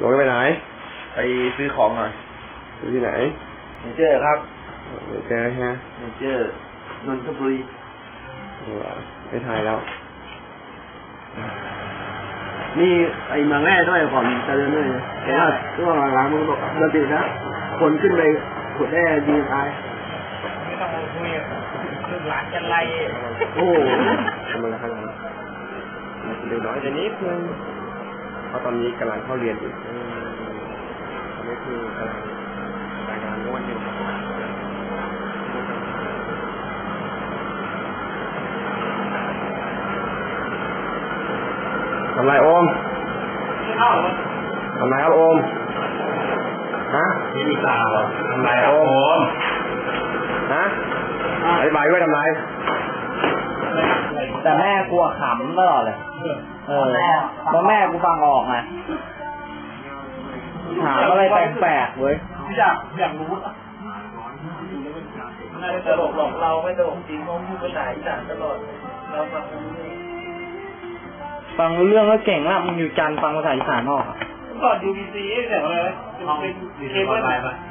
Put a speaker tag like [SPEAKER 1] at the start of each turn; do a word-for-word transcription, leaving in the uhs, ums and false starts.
[SPEAKER 1] ลงไปไหน
[SPEAKER 2] ไปซื้อของหน่อย
[SPEAKER 1] ซื้อที่ไหน
[SPEAKER 2] เนเจอร์ครับ
[SPEAKER 1] เนเจอร์ฮะ
[SPEAKER 2] เนเจอร์นนทบุรี
[SPEAKER 1] ไม่ถ่ายแล้ว
[SPEAKER 2] นี่ไอ้เมืองแร่ด้วยก่อนจะเดินด้วยเพราะว่าช่วงหลังๆมึงบอกเดินติดนะคนขึ้นไปขุดแร่ดีตาย
[SPEAKER 3] ไม่ต้องมาคุยคือหลานกันไร
[SPEAKER 2] โอ้
[SPEAKER 1] กำลังทำงานเด็กน้อยแต่นี้เพิ่งเพราะตอนนี้กำลังเข้าเรียนอยู่ตอนนี้คือกำลังรายงานม้วนอยู่ทำไรโอมทำไรครับโอมฮะ
[SPEAKER 3] นี่มีสาวทำไร
[SPEAKER 1] โอมฮะอธิบายด้วยทำไร
[SPEAKER 4] แต่แม่กลัวขำตลอดเลยเออแล้วแม่กูฟังออกไงถามอะไรแปลกๆเว้ย
[SPEAKER 3] อยากอยากรู้น่าจะตลกหลอกเราไม่ตลกจริงเพราะพูดภาษาอีสานตลอดเราฟัง
[SPEAKER 4] ฟังรู้เรื่องก็เก่งละมึงอยู่จันฟังภาษาอีสานออกอ่ะ
[SPEAKER 3] ก่อนยูบีซีเสียงอะไรเป็นเคเบิล